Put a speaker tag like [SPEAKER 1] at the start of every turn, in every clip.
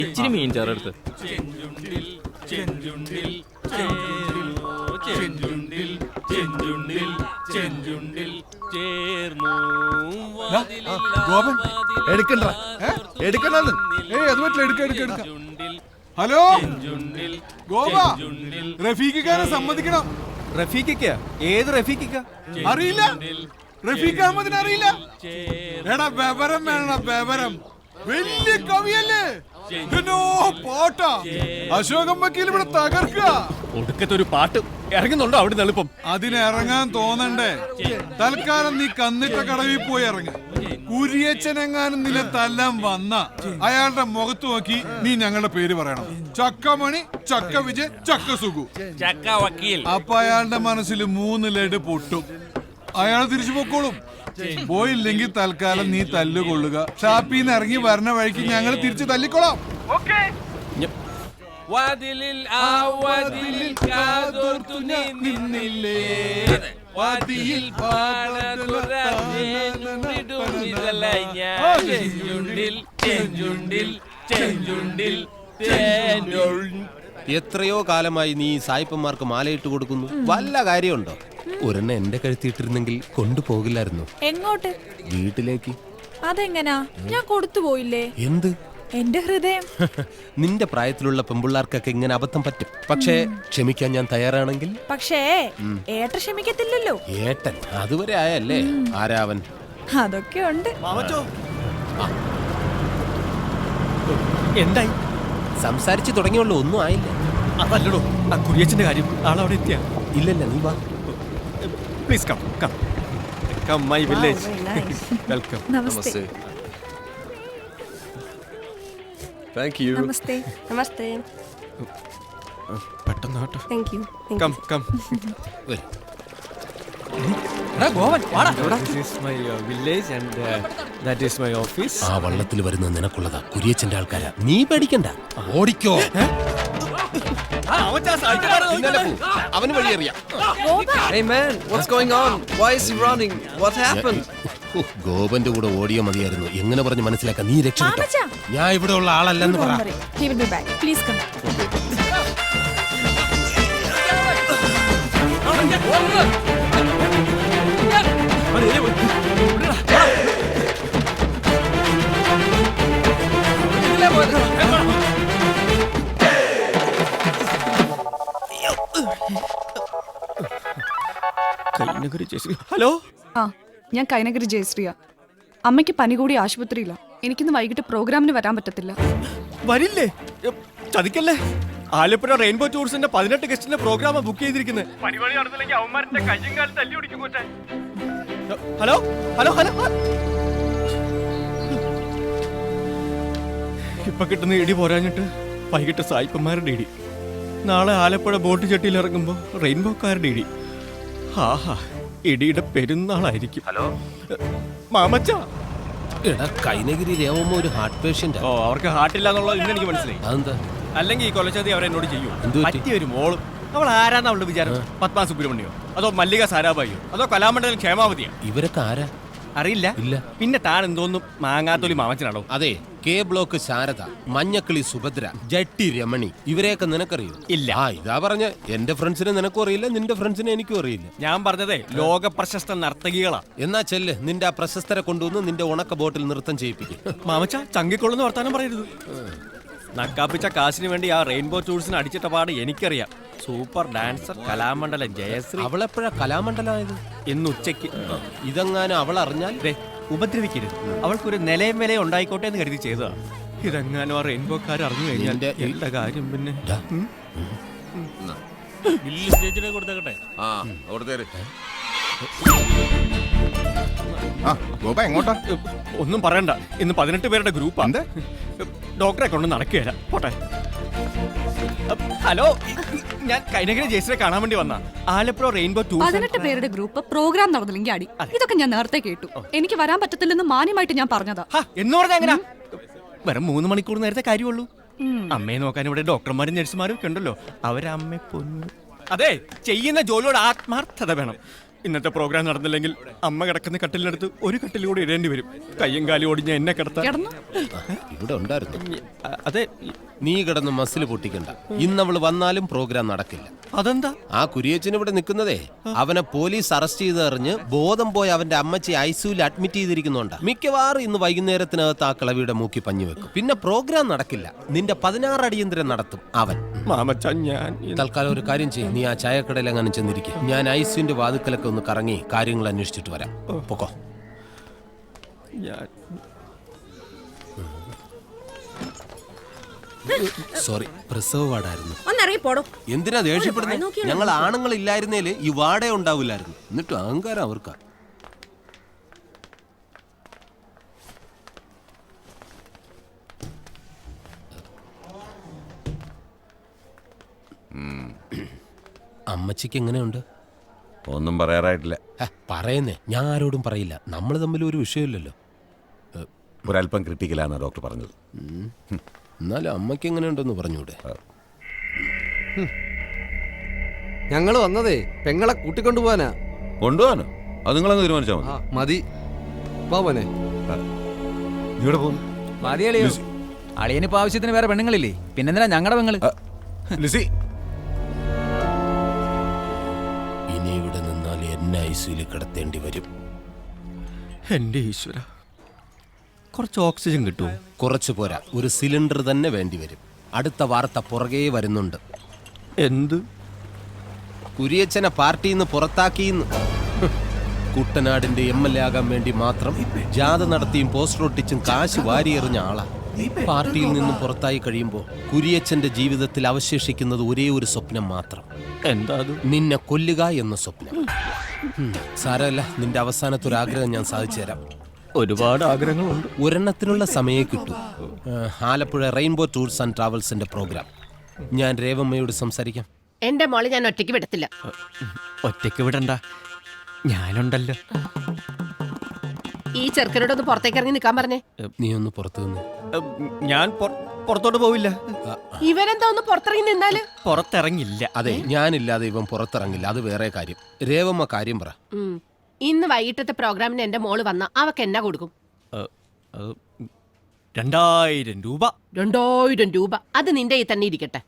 [SPEAKER 1] ഇച്ചിരി മീൻ ചേർത്ത്
[SPEAKER 2] ഗോപൻ എടുക്കണ്ട എടുക്കണ്ടെന്ന്. അത് പറ്റില്ല, എടുക്ക. ഹലോ ഗോപ, റഫീഖിക്കാരെ സമ്മതിക്കണം.
[SPEAKER 3] റഫീഖിക്ക? ഏത് റഫീഖിക്ക?
[SPEAKER 2] അറിയില്ല, റഫീഖ് അഹമ്മദിനെ അറിയില്ല? എടാ ബബരം വേണ, ബബരം വലിയ കവിയല്ലേ, പാട്ടാ. അശോകം വക്കീൽ ഇവിടെ തകർക്കുക.
[SPEAKER 3] ഒടുക്കത്തെ ഒരു പാട്ട് ഇറങ്ങുന്നുണ്ടോ അവിടെ എളുപ്പം?
[SPEAKER 2] അതിന് ഇറങ്ങാൻ തോന്നണ്ടേ? തൽക്കാലം നീ കന്നിട്ട കടവിൽ പോയി ഇറങ്ങ. കുരിയച്ചനെങ്ങാനും നിലത്തെല്ലാം വന്ന അയാളുടെ മുഖത്ത് നോക്കി നീ ഞങ്ങളുടെ പേര് പറയണം. ചക്കമണി, ചക്ക വിജയ്, ചക്ക സുഖു,
[SPEAKER 1] ചക്ക വക്കീൽ.
[SPEAKER 2] അപ്പൊ അയാളുടെ മനസ്സിൽ 3 ലഡ് പൊട്ടും. അയാൾ തിരിച്ചു പൊക്കോളും. പോയില്ലെങ്കിൽ തൽക്കാലം നീ തല്ലുകൊള്ളുക. ഷാപ്പിന്ന് ഇറങ്ങി വരണ വഴിക്ക് ഞങ്ങൾ തിരിച്ചു തല്ലിക്കൊള്ളാം.
[SPEAKER 1] വാതിലിൽ ആ വാതിലിൽ കാതോർത്തു നീ നിന്നില്ലേ, വാതിലിൽ
[SPEAKER 4] എത്രയോ കാലമായി നീ സായിപ്പന്മാർക്ക് മാലയിട്ട് കൊടുക്കുന്നു. വല്ല കാര്യമുണ്ടോ? ഒരെണ്ണം എന്റെ കഴുത്തിയിട്ടിരുന്നെങ്കിൽ കൊണ്ടുപോകില്ലായിരുന്നു.
[SPEAKER 5] എങ്ങോട്ട്?
[SPEAKER 4] വീട്ടിലേക്ക്.
[SPEAKER 5] അതെങ്ങനാ? ഞാൻ കൊടുത്തു പോയില്ലേ?
[SPEAKER 4] എന്ത്?
[SPEAKER 5] എന്റെ ഹൃദയം.
[SPEAKER 4] നിന്റെ പ്രായത്തിലുള്ള പെമ്പിള്ളാർക്കൊക്കെ ഇങ്ങനെ അബദ്ധം പറ്റും. പക്ഷേ ക്ഷമിക്കാൻ ഞാൻ തയ്യാറാണെങ്കിൽ.
[SPEAKER 5] പക്ഷേ ഏട്ട ക്ഷമിക്കത്തില്ലല്ലോ.
[SPEAKER 4] ഏട്ടൻ അതുവരെ ആയല്ലേ? ആരാവൻ?
[SPEAKER 5] അതൊക്കെ ഉണ്ട്.
[SPEAKER 3] എന്തായി?
[SPEAKER 4] സംസാരിച്ചു തുടങ്ങിയുള്ളൂ, ഒന്നും ആയില്ല.
[SPEAKER 3] അതല്ലടോ ആ കുരിയച്ചന്റെ കാര്യം. ആളവിടെ എത്തിയ?
[SPEAKER 4] ഇല്ലല്ല, നീ വാ.
[SPEAKER 3] Please come come come my village. Welcome.
[SPEAKER 5] നമസ്തേ.
[SPEAKER 3] Thank you.
[SPEAKER 5] നമസ്തേ.
[SPEAKER 6] നമസ്തേ.
[SPEAKER 3] പെട്ടെന്ന് കേട്ടോ.
[SPEAKER 6] Thank you.
[SPEAKER 3] Come come. This is my village and that is my office.
[SPEAKER 4] ആ വള്ളത്തിൽ വരുന്ന നിനക്കുള്ളതാ, കുരിയച്ചന്റെ ആൾക്കാരാ. നീ പേടിക്കണ്ട, ഓടിക്കോ. അവന് വഴിയറിയാം.
[SPEAKER 7] Hey man, what's going on? Why is he running? What happened?
[SPEAKER 4] ഗോപന്റെ കൂടെ ഓടിയോ മതിയായിരുന്നു. എങ്ങനെ പറഞ്ഞ് മനസ്സിലാക്കാം? നീ രക്ഷപ്പെട്ടോ.
[SPEAKER 5] മാമച്ചാ.
[SPEAKER 4] ഞാൻ ഇവിടെ ഉള്ള ആളല്ലെന്ന് പറ.
[SPEAKER 5] He will be back. Please come.
[SPEAKER 3] Hello,
[SPEAKER 8] ആ, ഞാൻ കൈനഗരി ജയശ്രീയ. അമ്മയ്ക്ക് പനി കൂടി ആശുപത്രിയില്ല. എനിക്കിന്ന് വൈകിട്ട് പ്രോഗ്രാമിന് വരാൻ പറ്റത്തില്ല.
[SPEAKER 3] വരില്ലേ? ചതിക്കല്ലേ. ആലപ്പുഴ റെയിൻബോ ടൂറിസ്റ്റിന്റെ 18 ഗസ്റ്റിന്റെ പ്രോഗ്രാം ബുക്ക് ചെയ്തിരിക്കുന്നത്. Hello hello hello. ഇപ്പൊ കിട്ടുന്ന ഇടി പോരാഞ്ഞിട്ട് വൈകിട്ട് സായിപ്പന്മാരുടെ ഇടി. നാളെ ആലപ്പുഴ ബോട്ട് ചെട്ടിയിൽ ഇറങ്ങുമ്പോ റെയിൻബോക്കാരുടെ ഇടി. ആഹാ, ഇടിയുടെ പെരുന്നാളായിരിക്കും. ഹലോ മാമച്ച.
[SPEAKER 4] എടാ, കൈനഗിരി രേവമ്മ ഒരു ഹാർട്ട് പേഷ്യന്റ്.
[SPEAKER 3] ഓ, അവർക്ക് ഹാർട്ടില്ല എന്നുള്ളത് ഇന്ന് എനിക്ക് മനസ്സിലായി.
[SPEAKER 4] അതെന്താ?
[SPEAKER 3] അല്ലെങ്കിൽ ഈ കൊലച്ചതി അവരെന്നോട് ചെയ്യും.
[SPEAKER 4] എന്ത് പറ്റി?
[SPEAKER 3] പറ്റിയൊരു മോളും. അവൾ ആരാന്ന് അവളുടെ വിചാരം? പത്മ സുബ്രഹ്മണ്യോ അതോ മല്ലിക സാരാഭായിയോ അതോ കലാമണ്ഡലം ക്ഷേമാവതിയോ?
[SPEAKER 4] ഇവരൊക്കെ ആരാ?
[SPEAKER 3] അറിയില്ല.
[SPEAKER 4] ഇല്ല.
[SPEAKER 3] പിന്നെ താൻ എന്തോന്നും മാങ്ങാത്തൊലി മാമച്ചനാണോ?
[SPEAKER 4] അതെ, കെ ബ്ലോക്ക് ശാരദ, മഞ്ഞക്കിളി സുഭദ്ര, ജട്ടി രമണി, ഇവരെയൊക്കെ നിനക്കറിയോ?
[SPEAKER 3] ഇല്ല.
[SPEAKER 4] ആ, ഇതാ പറഞ്ഞ എന്റെ ഫ്രണ്ട്സിനെ നിനക്കും അറിയില്ല, നിന്റെ ഫ്രണ്ട്സിനെ എനിക്കും അറിയില്ല.
[SPEAKER 3] ഞാൻ പറഞ്ഞതേ ലോക പ്രശസ്ത നർത്തകികളാ.
[SPEAKER 4] എന്നാ ചെല്ല്, നിന്റെ ആ പ്രശസ്തരെ കൊണ്ടുവന്ന് നിന്റെ ഉണക്ക ബോട്ടിൽ നൃത്തം ചെയ്യിപ്പിക്കും.
[SPEAKER 3] മാമച്ച ചങ്കിക്കൊള്ളുന്ന വർത്താനം പറയരുത്. നക്കാപ്പിച്ച കാശിന് വേണ്ടി ആ റെയിൻബോ ടൂറിസ്റ്റിന് അടിച്ചിട്ട പാട് എനിക്കറിയാം. Super dancer Kalamandalam Jayashree.
[SPEAKER 4] അവളെപ്പോഴാ കലാമണ്ഡലമായത്?
[SPEAKER 3] ഇന്ന് ഉച്ചയ്ക്ക്.
[SPEAKER 4] ഇതെങ്ങാനും അവൾ അറിഞ്ഞാൽ
[SPEAKER 3] ഉപദ്രവിക്കരുത്. അവൾക്കൊരു നിലയും വിലയും ഉണ്ടായിക്കോട്ടെ എന്ന് കരുതി ചെയ്തതാ. ഇതെങ്ങാനും ആ റെയിൻബോക്കാർ അറിഞ്ഞു കഴിഞ്ഞാൽ എന്റെ കാര്യം പിന്നെ.
[SPEAKER 1] കൊടുത്തേക്കട്ടെ.
[SPEAKER 2] എങ്ങോട്ടാ?
[SPEAKER 3] ഒന്നും പറയണ്ട, ഇന്ന് 18 പേരുടെ ഗ്രൂപ്പാ. ഡോക്ടറെ കൊണ്ട് നടക്കുകയല്ല. പോട്ടെ. ഹലോ, ഞാൻ കൈനഗിരി ജയശ്രീയെ കാണാൻ വേണ്ടി വന്ന ആലപ്പുഴ റെയിൻബോ ടൂർ.
[SPEAKER 8] 18 പേരുടെ ഗ്രൂപ്പ് പ്രോഗ്രാം നടന്നില്ലെങ്കിൽ അടി. ഇതൊക്കെ ഞാൻ നേരത്തെ കേട്ടു. എനിക്ക് വരാൻ പറ്റത്തില്ലെന്ന് മാന്യമായിട്ട് ഞാൻ പറഞ്ഞതാ.
[SPEAKER 3] എന്ന് പറഞ്ഞാ എങ്ങനാ? വെറും 3 മണിക്കൂർ നേരത്തെ കാര്യമുള്ളൂ. അമ്മയെ നോക്കാൻ ഇവിടെ ഡോക്ടർമാരും നഴ്സുമാരും ഒക്കെ ഉണ്ടല്ലോ. അവരമ്മയെ പൊന്നു. അതെ, ചെയ്യുന്ന ജോലിയോട് ആത്മാർത്ഥത വേണം. ഇന്നത്തെ പ്രോഗ്രാം നടന്നില്ലെങ്കിൽ അമ്മ കിടക്കുന്ന കട്ടിലിനടുത്ത് ഒരു കട്ടിൽ കൂടി ഇടേണ്ടി വരും. കയ്യും കാലും ഓടിഞ്ഞ എന്നെ കിടത്താൻ.
[SPEAKER 5] കിടന്നു.
[SPEAKER 4] ഇവിടെ ഉണ്ടായിരുന്നു.
[SPEAKER 3] അതെ,
[SPEAKER 4] നീ കിടന്ന് മസിൽ പൊട്ടിക്കണ്ട. ഇന്നവള് വന്നാലും പ്രോഗ്രാം നടക്കില്ല.
[SPEAKER 3] അതെന്താ?
[SPEAKER 4] ആ കുരിയച്ചൻ ഇവിടെ നിൽക്കുന്നതേ അവനെ പോലീസ് അറസ്റ്റ് ചെയ്തറിഞ്ഞ് ബോധം പോയി അവന്റെ അമ്മച്ചി ഐസിയുവിൽ അഡ്മിറ്റ് ചെയ്തിരിക്കുന്നുണ്ട്. മിക്കവാറും ഇന്ന് വൈകുന്നേരത്തിനകത്ത് ആ കിളവിയുടെ മൂക്കി പഞ്ഞു വെക്കും. പിന്നെ പ്രോഗ്രാം നടക്കില്ല. നിന്റെ 16 അടിയന്തരം നടത്തും അവൻ.
[SPEAKER 3] മാമച്ച, ഞാൻ
[SPEAKER 4] തൽക്കാലം ഒരു കാര്യം ചെയ്യും. നീ ആ ചായക്കടയിൽ അങ്ങനെ ചെന്നിരിക്കും. ഞാൻ ഐസിയുന്റെ വാതുക്കലൊക്കെ ഒന്ന് കറങ്ങി കാര്യങ്ങൾ അന്വേഷിച്ചിട്ട് വരാം. പൊക്കോ. സോറി, പ്രസവ വാർഡായിരുന്നു.
[SPEAKER 6] ഒന്നറിയപ്പോടോ.
[SPEAKER 4] എന്തിനാ ദേഷ്യപ്പെടുന്നത്? ഞങ്ങൾ ആണുങ്ങൾ ഇല്ലായിരുന്നേല് ഈ വാടേ ഉണ്ടാവില്ലായിരുന്നു. എന്നിട്ടും അഹങ്കാരം അവർക്കാ. അമ്മച്ചിക്ക് എങ്ങനെയുണ്ട്?
[SPEAKER 9] ഒന്നും പറയാറായിട്ടില്ല.
[SPEAKER 4] പറയുന്നേ, ഞാൻ ആരോടും പറയില്ല. നമ്മൾ തമ്മിൽ ഒരു വിഷയമില്ലല്ലോ.
[SPEAKER 9] ഒരല്പം ക്രിട്ടിക്കലാണ് ഡോക്ടർ പറഞ്ഞത്.
[SPEAKER 4] എന്നാലും അമ്മയ്ക്ക് എങ്ങനെയുണ്ടെന്ന് പറഞ്ഞൂടെ?
[SPEAKER 7] ഞങ്ങൾ വന്നതേ പെങ്ങളെ കൂട്ടിക്കൊണ്ടുപോവാനാ.
[SPEAKER 9] കൊണ്ടുപോകാനോ? അത് നിങ്ങളങ്ങ് തീരുമാനിച്ചാൽ മതി.
[SPEAKER 7] മതി പോവനെ.
[SPEAKER 9] നീ ഇവിടെ പോകുന്നു?
[SPEAKER 10] മതിയളിയോ, അളിയനിപ്പോ ആവശ്യത്തിന് വേറെ പെണ്ണുങ്ങളില്ലേ, പിന്നെന്തിനാ ഞങ്ങളുടെ പെങ്ങള്?
[SPEAKER 9] ലിസി,
[SPEAKER 4] ഇനി ഇവിടെ നിന്നാൽ എന്നെ ഐസിയിൽ കിടത്തേണ്ടി വരും.
[SPEAKER 3] എന്റെ ഈശ്വര, കുറച്ച് ഓക്സിജൻ കിട്ടുമോ?
[SPEAKER 4] കുറച്ചു പോരാ, ഒരു സിലിണ്ടർ തന്നെ വേണ്ടി വരും. അടുത്ത വാർത്ത പുറകെ വരുന്നുണ്ട്.
[SPEAKER 3] എന്ത്?
[SPEAKER 4] കുരിയച്ചനെ പാർട്ടിയിൽ നിന്ന് പുറത്താക്കിയെന്ന്. കുട്ടനാടിന്റെ MLA ആകാൻ വേണ്ടി മാത്രം ജാഥ നടത്തിയും പോസ്റ്റർ ഒട്ടിച്ചും കാശ് വാരിയെറിഞ്ഞ ആളാ. പാർട്ടിയിൽ നിന്നും പുറത്തായി കഴിയുമ്പോൾ കുരിയച്ചന്റെ ജീവിതത്തിൽ അവശേഷിക്കുന്നത് ഒരേ ഒരു സ്വപ്നം മാത്രം.
[SPEAKER 3] എന്താ അത്?
[SPEAKER 4] നിന്നെ കൊല്ലുക എന്ന സ്വപ്നം. സാരമല്ല, നിന്റെ അവസാനത്തെ ഒരു ആഗ്രഹം ഞാൻ സാധിച്ചു തരാം.
[SPEAKER 3] ഒരുപാട് ആഗ്രഹങ്ങളുണ്ട്.
[SPEAKER 4] ഒരെണ്ണത്തിനുള്ള സമയം കിട്ടും. ആലപ്പുഴ റെയിൻബോ ടൂർസ് ആൻഡ് ട്രാവൽസിന്റെ പ്രോഗ്രാം. ഞാൻ രേവമ്മയോട് സംസാരിക്കാം.
[SPEAKER 6] എന്റെ മോളെ ഞാൻ ഒറ്റയ്ക്ക് വിടത്തില്ല.
[SPEAKER 3] ഒറ്റയ്ക്ക് വിടണ്ട, ഞാനുണ്ടല്ലോ.
[SPEAKER 6] ഈ ചെറുക്കനോടൊന്ന് പുറത്തേക്ക് ഇറങ്ങി നിൽക്കാൻ പറഞ്ഞേ.
[SPEAKER 4] നീ ഒന്ന് പുറത്തു നിന്ന്.
[SPEAKER 3] ഞാൻ പുറത്തോട്ട് പോവില്ല.
[SPEAKER 6] ഇവരെന്താ ഒന്ന് പുറത്തിറങ്ങി നിന്നാല്?
[SPEAKER 3] പുറത്തിറങ്ങില്ല.
[SPEAKER 4] അതെ, ഞാനില്ലാതെ ഇവൻ പുറത്തിറങ്ങില്ല. അത് വേറെ കാര്യം. രേവമ്മ കാര്യം പറ.
[SPEAKER 6] ഇന്ന് വൈകിട്ടത്തെ പ്രോഗ്രാമിന് എന്റെ മോള് വന്ന അവക്ക് എന്നാ കൊടുക്കും?
[SPEAKER 3] 2000 രൂപ.
[SPEAKER 6] 2000 രൂപ? അത് നിന്റെ ഈ തന്നെ ഇരിക്കട്ടെ.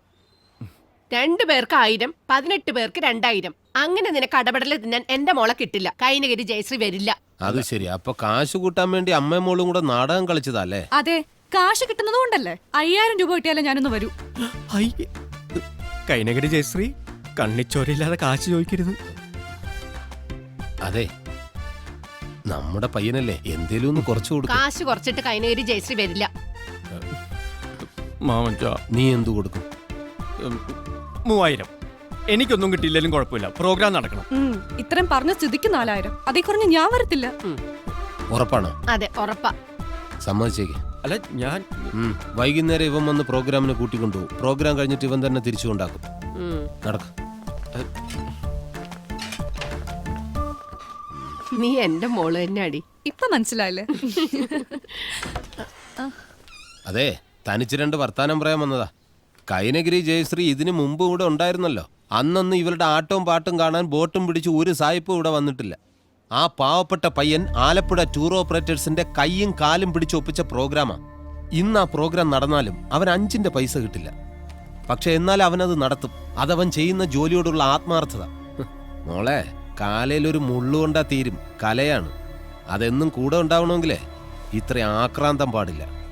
[SPEAKER 6] 2 പേർക്ക് 1000, 18 പേർക്ക് 2000. അങ്ങനെ നിനക്ക് അടപടല് തിന്നാൻ എന്റെ മോളെ കിട്ടില്ല. കൈനഗിരി ജയശ്രീ വരില്ല.
[SPEAKER 4] അത് ശരി. അപ്പൊ കാശ് കൂട്ടാൻ വേണ്ടി അമ്മയും മോളും കൂടെ നാടകം കളിച്ചതല്ലേ?
[SPEAKER 8] അതെ, കാശ് കിട്ടുന്നത് കൊണ്ടല്ലേ. 5000 രൂപ കിട്ടിയാലേ ഞാനൊന്ന് വരൂ.
[SPEAKER 3] കൈനഗിരി ജയശ്രീ, കണ്ണിച്ചോരയില്ലാതെ കാശ് ചോദിക്കരുത്.
[SPEAKER 4] അതെ, നമ്മുടെ പയ്യനല്ലേ, എന്തേലും ഒന്ന് കുറച്ചു കൊടുക്കും.
[SPEAKER 6] കാശ് കുറച്ചിട്ട് കൈനഗിരി ജയശ്രീ വരില്ല.
[SPEAKER 4] നീ എന്തു കൊടുക്കും?
[SPEAKER 3] 3000. എനിക്കൊന്നും കിട്ടിയില്ലെങ്കിലും കുഴപ്പമില്ല, പ്രോഗ്രാം നടക്കണം.
[SPEAKER 8] ഇത്രയും പറഞ്ഞ സ്ഥിതിക്ക് 4000. അതേ കുറഞ്ഞ് ഞാൻ വരത്തില്ല.
[SPEAKER 4] ഉറപ്പാണോ?
[SPEAKER 6] അതെ, ഉറപ്പാ.
[SPEAKER 4] സമ്മതിച്ചേക്ക്.
[SPEAKER 3] അല്ല, ഞാൻ
[SPEAKER 4] വൈകുന്നേരം ഇവൻ വന്ന് പ്രോഗ്രാമിന് കൂട്ടിക്കൊണ്ടുപോകും. പ്രോഗ്രാം കഴിഞ്ഞിട്ട് ഇവൻ തന്നെ തിരിച്ചു കൊണ്ടാക്കും. നടക്ക.
[SPEAKER 6] നീ എന്റെ മോള് തന്നെ അടി.
[SPEAKER 8] ഇപ്പൊ മനസ്സിലായില്ലേ?
[SPEAKER 4] അതെ, തനിച്ച് 2 വർത്താനം പറയാൻ വന്നതാ. കൈനഗിരി ജയശ്രീ ഇതിനു മുമ്പ് ഇവിടെ ഉണ്ടായിരുന്നല്ലോ. അന്നൊന്നും ഇവരുടെ ആട്ടവും പാട്ടും കാണാൻ ബോട്ടും പിടിച്ച് ഒരു സായിപ്പും ഇവിടെ വന്നിട്ടില്ല. ആ പാവപ്പെട്ട പയ്യൻ ആലപ്പുഴ ടൂർ ഓപ്പറേറ്റേഴ്സിന്റെ കൈയും കാലും പിടിച്ചൊപ്പിച്ച പ്രോഗ്രാമാ. ഇന്ന് ആ പ്രോഗ്രാം നടന്നാലും അവൻ 5 പൈസ കിട്ടില്ല. പക്ഷെ എന്നാൽ അവനത് നടത്തും. അതവൻ ചെയ്യുന്ന ജോലിയോടുള്ള ആത്മാർത്ഥത. മോളെ, കാലയിലൊരു മുള്ളുകൊണ്ടാ തീരും. കലയാണ്. അതെന്നും കൂടെ ഉണ്ടാവണമെങ്കിലേ ഇത്ര ആക്രാന്തം പാടില്ല.